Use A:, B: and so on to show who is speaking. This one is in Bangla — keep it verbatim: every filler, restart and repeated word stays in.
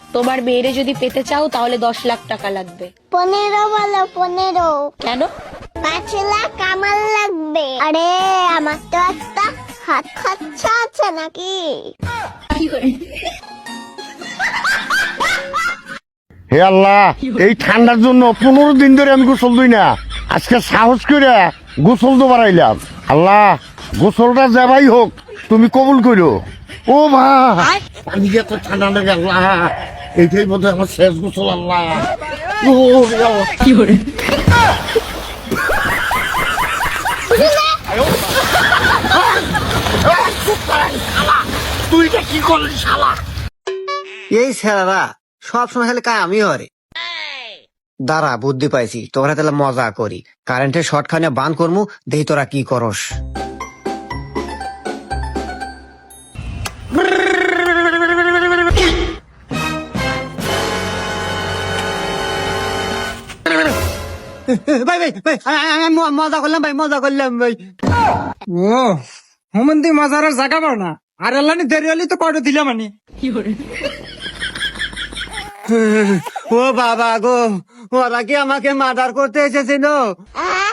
A: তোমার মেয়েরে যদি পেতে চাও তাহলে দশ লাখ টাকা লাগবে।
B: পনেরো বলো, পনেরো।
A: কেন?
B: পাঁচ লাখ আমার লাগবে। আরে আমার তো একটা হাত খরচা আছে নাকি।
C: হে আল্লাহ, এই ঠান্ডার জন্য পনেরো দিন ধরে আমি গোসল দিই না, আজকে সাহস করে গোসল তো বাড়াইলাম। আল্লাহ, গোসলটা যাবাই হোক তুমি কবুল করো। ও ভাই, আমি যে এত ঠান্ডা লেগে, আল্লাহ এইটাই বোধ হয় আমার শেষ গোসল। আল্লাহ, ও কি করে তুই এটা কি করলি শালা?
D: এই ছেলেরা সব সময় খালি কাজ আমি হরে। দাঁড়া, বুদ্ধি পাইছি, তোরা তাহলে মজা করি। কারেন্টের শর্ট খানে বান করমু, দেখি তোরা কি করস। ভাই ভাই ভাই, আমি মজা করলাম ভাই, মজা করলাম ভাই।
E: ও হুমন্দি মজার আর জায়গা পাও না, আর আল্লাহ দেরি হলি তো কয়টা দিলাম আমি।
D: ও বাবা গো, ওরা কি আমাকে মার্ডার করতে এসেছিল?